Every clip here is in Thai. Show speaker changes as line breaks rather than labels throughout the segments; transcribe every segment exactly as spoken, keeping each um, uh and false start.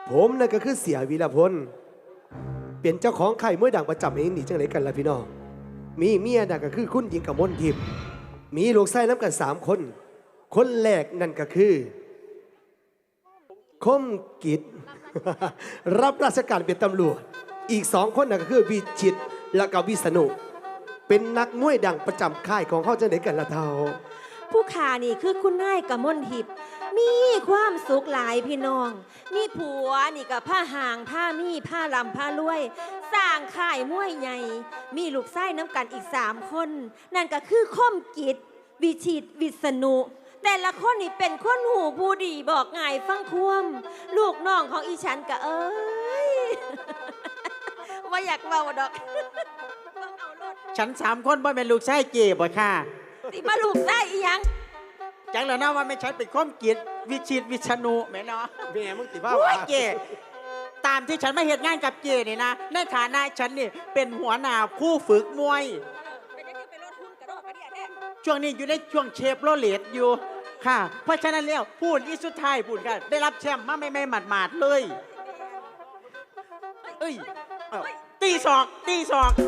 ผมนั่นก็คือเสียวีรพลเป็นเจ้าของค่ายมวยดังประจำเองนี่จังไรกันล่ะพี่น้องมีเมียนั่นก็คือคุณหญิงกมลทิพย์มีลูกไส้น้ำกันสามคนคนแรกนั่นก็คือคมกิจ รับราชการเป็นตำรวจอีกสองคนนั่นก็คือวิชิตและก็วิษณุเป็นนักมวยดังประจำค่ายของเขาจังไรกันล่ะเท่า
ผู้ขานี่คือคุณนายกมลทิพย์มีความสุขหลายพี่น้องมีผัวนี่กับผ้าห่างผ้ามีผ้าลำผ้ารวยสร้างค่ายมวยใหญ่มีลูกไส้น้ำกันอีกสามคนนั่นก็คือคมกิจวิชิตวิษณุแต่ละคนนี่เป็นคนหูผู้ดีบอกง่ายฟังควมลูกน้องของอีฉันก็เอ้ย ว่าอยากเบาดอก
ฉันสามคนบ่เป็นลูกชายเก๋บ่ค่ะ
สิมาลูกได้อีหยัง
จังแล้วนะว่าไม่ใช่เป็นข้อมกิจวิชิตวิชนุแม่เนาะ
แม่มึงติว่า
เก๋ตามที่ฉันมาเหตุงานกับเก๋นี่นะในฐานะฉันนี่เป็นหัวหน้าผู้ฝึกมวยช่วงนี้อยู่ในช่วงเชฟโรเลตอยู่ค่ะเพราะฉะนั้นแล้วพูดอีสุดท้ายพูดกันได้รับแชมป์มาไม่ไม่หมาดหมาดเลยเอ้ยตีศอกตีศอก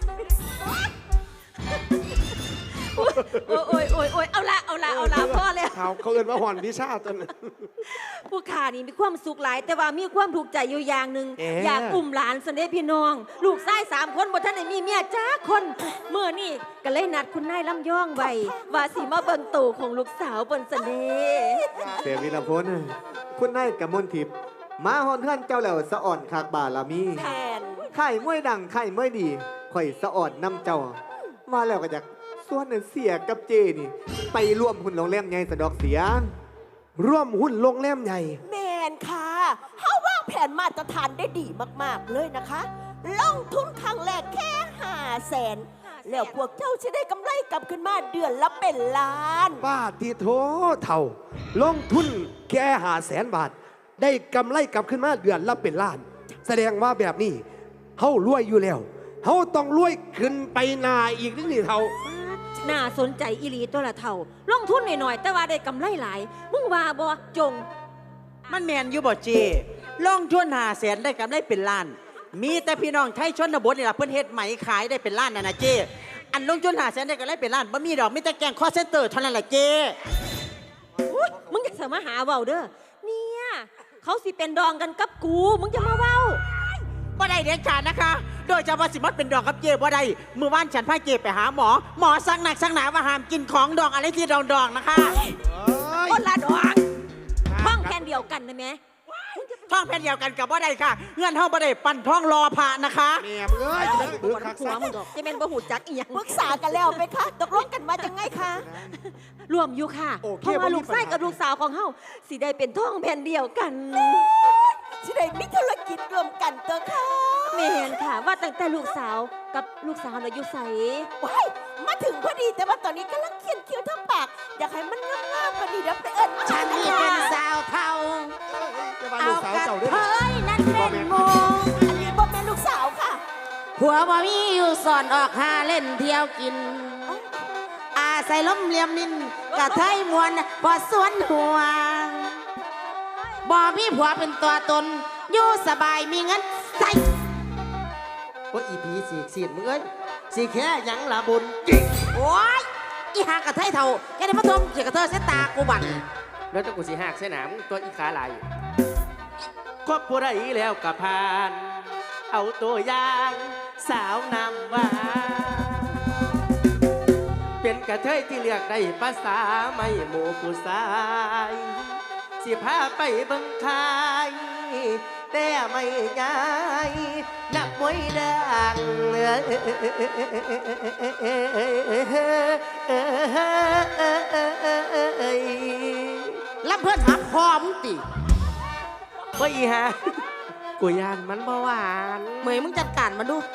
โอ้ยโอ้ยโอ้ยโอ้ยเอาละเอาละเอาละพ่อเลย
เขาเขาเอิ้นว่าหอนวิชาตอนนั้น
ผู้ขานี่มีความสุขหลายแต่ว่ามีความถูกใจอยู่อย่างหนึ่งอยากอุ้มหลานเสน่ห์พี่น้องลูกชายสามคนบนท่านไหนมีเมียจ้าคนเมื่อนี่ก็เลยนัดคุณนายลำย่องไว้ว่าสีมาเบิ่งตู่ของลูกสาวบนเสน่ห์
เสียวีรพลคุณนายกมลทิพย์มาฮอนเฮือนเจ้าแล้วสะอ่อนคากบาลามี
แทน
ไข่มวยดังไข่มวยดีข่อยสะอ่อนนำเจ้ามาแล้วก็อยากส่วนเสียกับเจนี่ไปร่วมหุ้นโรงแรมใหญ่สะดอกเสีย
ร่วมหุ้นโรงแรมใหญ่
แมนค่ะเขาวางแผนมาตรฐานได้ดีมากๆเลยนะคะลงทุนครั้งแรกแค่ห้าแสนแล้วพวกเจ้าจะได้กำไรกลับขึ้นมาเดือนละเป็นล้าน
ป้าทีโถเท่าลงทุนแค่ห้าแสนบาทได้กำไรกลับขึ้นมาเดือนละเป็นล้านแสดงว่าแบบนี้เฮารวยอยู่แล้วเฮาต้องรวยขึ้นไปนาอีกนิดนี่เท่า
น่าสนใจอีหลีตัวละเท่าลงทุนหน่อยๆแต่ว่าได้กำไรหลายมึงว่าบ่จง
มันแมนอยู่บ่เจลงทุนหาแสนได้กำไรเป็นล้านมีแต่พี่น้องไทยชนบทนี่ล่ะเพิ่นเฮ็ดไหมขายได้เป็นล้านน่ะนะเจอันลงทุนหาแสนได้กำไรเป็นล้านบ่มีดอกมีแต่แกงคอเซ็นเตอร์เท่านั้นแหละเจ
มึงอย่าเสมาหาเว้าเด้อเนี่ยเขาสิเป็นดองกันกับกูมึงจะมาเว้า
บ่ได้เด็ดขาดนะคะโดยเฉพาะสิมัดเป็นดองกับเจบ่ได้เมื่อวานฉันพาเจไปหาหมอหมอสั่งหนักสั่งหนาว่าห้ามกินของดองอะไรที่ดองๆนะคะ
คนละดองท้องแผ่นเดียวกันนะแม่
ท้องแผ่นเดียวกันกับบ่ได้ค่ะเงื่อนเฮาบ่ได้ปั่นท้องรอพระนะคะ
แม่มึงเอ้ยจะเป็นเบื่อคัก
หัวมึงดอกจะเป็นบ่หูจักอีหยัง
ปรึกษากันแล้วไหมคะตกลงกันมาจังไงคะ
รวมอยู่ค่ะเพราะว่าลูกชายกับลูกสาวของเฮาสิได้เป็นท้องแผ่นเดียวกัน
สิได้มีธุรกิจรวมกันเถอะค่ะ
แม่นค่ะว่าตั้งแต่ลูกสาวกับลูกสาวน่ะอยู่ไส
ว้ายมาถึงพอดีแต่ว่าตอนนี้กำลังเขียนคิ้วทั้งปากอยากให้มันงามๆพอดีเดี๋ยวไปเอิ้น
ฉันนี่เป็นสาวเฒ่า
เอากระเท
ยนั่นเป็นโม
อันนี้บ่เป็นลูกสาวค่ะ
ผัวบ่มีอยู่สอนออกหาเล่นเที่ยวกินอาใส่ล้มเหลี่ยมนินกะเทยมวนพอสวนหัวบ่มีผัวเป็นตัวตนอยู่สบายมีเงินใส่
ว่าอีพีสีสีดมึงเอ้ยสีแค่ยังละบุญ
โอ้ยอีหากะเทยเท่าแกได้มาทมเกี่ยวกับเธอเส้นตากูบั่น
แล้วต้องกูสีหักเส้นหนามตัวอีขาลายครอบผู้ใดแล้วกับพานเอาตัวอย่างสาวนำว่าเป็นกระเทยที่เลือกได้ภาษาไม่หมู่ผู้ชายสิพาไปบังคายแต่ไม่ง่ายนักมวยดัง
ลำเพื่อนหักคอมึงติ
ว่าอีฮะกูยานมันบ่หวาน
เมย์มึงจัดการมาดู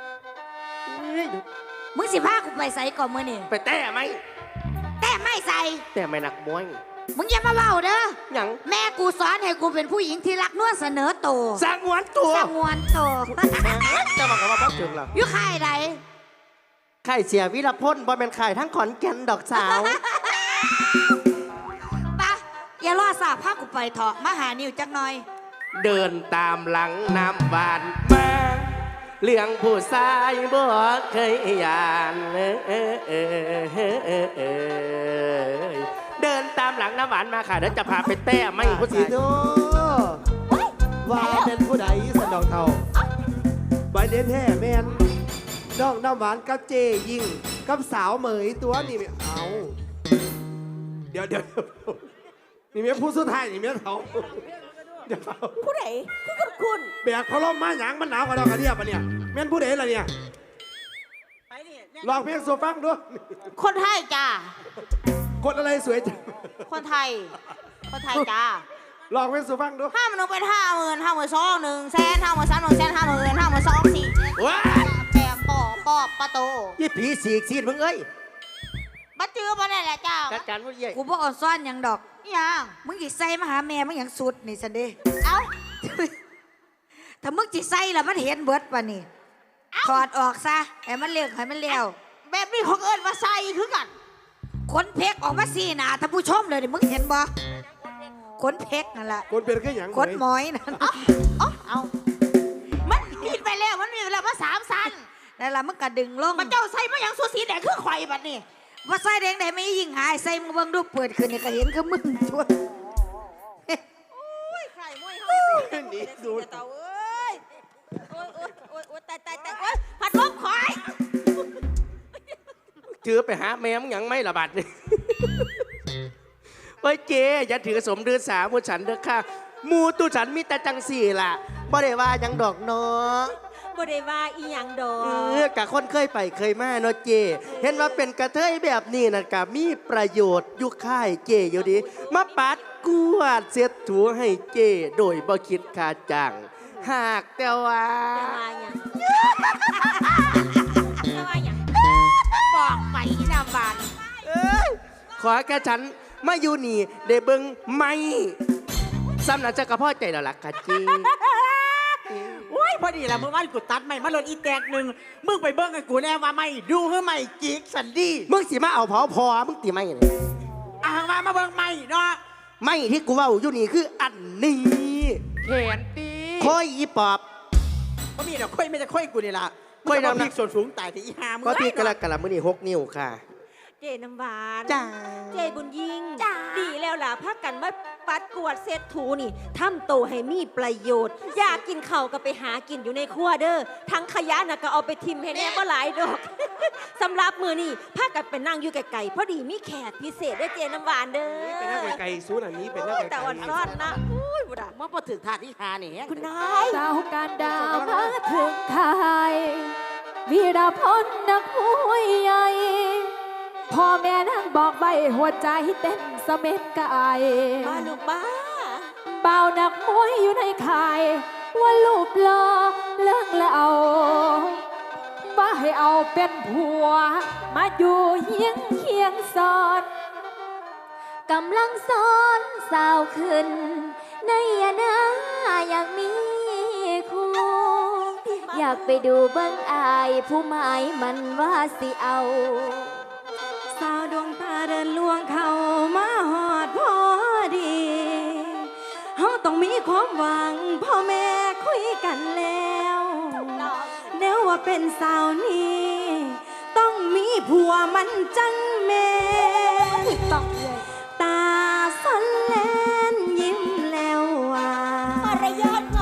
มึงสิพากูไปใส่ก่อนมือนี่
ไปแต่ไหม
แต่ไม่ใส่
แต่ไม่นักมวย
มึงอย่ามาเล่าเด้อ
อย่าง
แม่กูสอนให้กูเป็นผู้หญิงที่รักนวลเสนอโต
สงวนตัว
สงวนโต
จะบอกกับว่าพักถึงหรอ
อยู่ค่ายใด
ค่ายเสียวิรพลบ่เป็นค่ายทั้งขอนแก่นดอกสาว
ปะอย่ารอสาพากูไปเถาะมาหานิวจักหน่อย
เดินตามหลังน้ำหวานมาเรื่องผู้ชายบ่เคยยานเอ้ยเอ้ยเอ้ยเอ้ยเอ้ยเอ้ยเดินตามหลังน้ำหวานมาค่ะเดี๋ยวจะพาไปแต้ไม่ผู้
สี
ชาย
โตว่าเป็นผู้ใดสนดอกเท่าใบเด่นแท้แมนน้องน้ำหวานกับเจยิงกับสาวเหมยตัวนี่ไม่เอาเดี๋ยวเดี๋ยวนี่เมียผู้สุดท้ายนี่เมียเท่าเดี๋ยวเท่า
ผู้ใดคือกับคุณ
แบกพะล้มมาหยางมันหนาวกว่าดอกกระเดียบปะเนี่ยแม่นผู้ใดล่ะเนี่ย
ไปนี่
ลองเพลงโซฟังดู
คนไทยจ้า
คนอะไรสวยจัง
คนไทย คนไทยจ้า
ลองเพลงโซฟังดู
ห้าหมื่นเป็นห้าหมื่นห้าหมื่นสองหนึ่งแสนห้าหมื่นสามหนึ่งแสนห้าหมื่นห้าหมื่นสองสี่
ว้า
แปงปอปอบประตู
ยี่ผีสีกซีดมึงเอ้ย
บัดจื้อมาได้แหละเจ้า
จัดการผู้ใหญ่
กูบอกอ่อนซ่อนหยังดอก
อิหยัง
มึงจิใส่มาหาแม่มึงหยังสุดนี่สันเด
เอ้า
ถ้ามึงจิใส่แล้วมันเห็นเบิดป่ะนี่ถอดออกซะให้มันเลี้ยงให้มันเลี้ยว
แบบนี้ของเอิญมาใส่คือกัน
ขนเพกออกมาสี่หนาท่านผู้ชมเลยดิมึงเห็นบ่ขนเพกนั่นแหละ
คนเป็นแค่หยัง
ขนหมอยนั่น
อ๋อเอามันมีไปแล้วมันมีไปแล้วมาสามสัน
นั่นแหละมึงกระดึงลง
มันเจ้าใส่มาอย่างสูสีแดงคือข่อยบัดนี้
ว่าใส่แดงไหนไม่ยิงหายใส่มึงเบิ่งดูเปิดขึ้นนี่ก็เห็นคือมึงทั่ว
ไข่มวยเฮา
นี่ดู
เต่าเอ้ยโอ้ยโอ้ยโอ้ยโอ้ยตายตายตายโอ้ยผัดลมคอย
ถือไปหาแม่มึงหยังไม่ระบาดเลย เฮ้ยเจอย่าถือสมดือสามูฉันเด้อค่ะหมูตูฉันมีแต่จังสี่ล่ะบ่ได้ว่าหยังดอกเนาะ
บ่ได้ว่าอีหยังดอ
เอก อกะคนเคยไปเคยมาเนาะเจ เห็นว่าเป็นกระเทยแบบนี้นะกะมีประโยชน์อยุคค่ายเจอยู่ดี มาปัดกวาดเสียถูให้เจ โดยบ่คิดค่าจ้างหากแต่ว่า
แต่ว่าหยังแต่ว่าหยัง
บอกไปอีนามบาน
เอ้ยขอแค่ฉันมาอยู่นี่ได้เบิ่งไม่ซ้ำนั้นจะกระพ่อใจแล้วล่ะค่ะเจ
โอ้ยพอดีละเมื่อวานกูตัดไม่มาลดอีแตกหนึ่งมึงไปเบิ้งกับกูแน่ว่าไม่ดูเฮ้ไม่จิกสันดี
มึงสิมาเอาเผาพอมึงตีไม่เนี่ย
อ่างมามาเบิ้งไม่เนาะ
ไม่ที่กูเว่าอยู่นี่คืออันนี้แขนตีคอยอีปอบ
ก็มีดอกค่อยไม่จะค่อยกูนี่ละ
ค่อยนำนะ
มึงจะมาพลิกส่วนสูงตายที่อีหามึง
ก็ที่กระกระมือนี่หกนิ้วค่ะ
เจน้ำหวาน
จ้า
เจบุญยิ่งดีแล้วล่ะพักกันมาปัดกวาดเศษถูนี่ทำโตวให้มีประโยชน์ อยากกินข้าวก็ไปหากินอยู่ในครัวเด้อทั้งขยะน่ะก็เอาไปทิมให้แน่ก็หลายดอก สำหรับมือนี่พากันไปนั่งอยู่ไกลๆพอดีมีแขกพิเศษได้อเจน้ำหวานเด้อ
เป็นหน้าไกลๆซูนอันนี้เป็นหน้า
โอ้ย
ไกลๆ
แต่อ่อนซ่อนนะอุ้ยบุดา
มาพอถึงถาดที่หานี่
คุณนาย
สาวการดาวมาถึงไทยวีรพลนักมวยใหญ่พ่อแม่นั่งบอกไว้หัวใจเต้นสะเม็ดกาย
มาลูกมา
เบานักมวยอยู่ในข่าย ว่าลูกรอเลิกแล้วเอาว่าให้เอาเป็นผัว มาอยู่เฮียงเคียงสอนกำลังสอนสาวขึ้น ในยานาอยากมีคู่ อยากไปดูเบิ้งอายผู้หมายมันว่าสิเอา สาวดวงตาเดินลวงเขามาหอดพอดีเฮาต้องมีความหวังพ่อแม่คุยกันแล้วแนวว่าเป็นสาวนี้ต้องมีผัวมันจังแม่ต้องตาสันแลนยิ้มแล้วว่า
มารยาท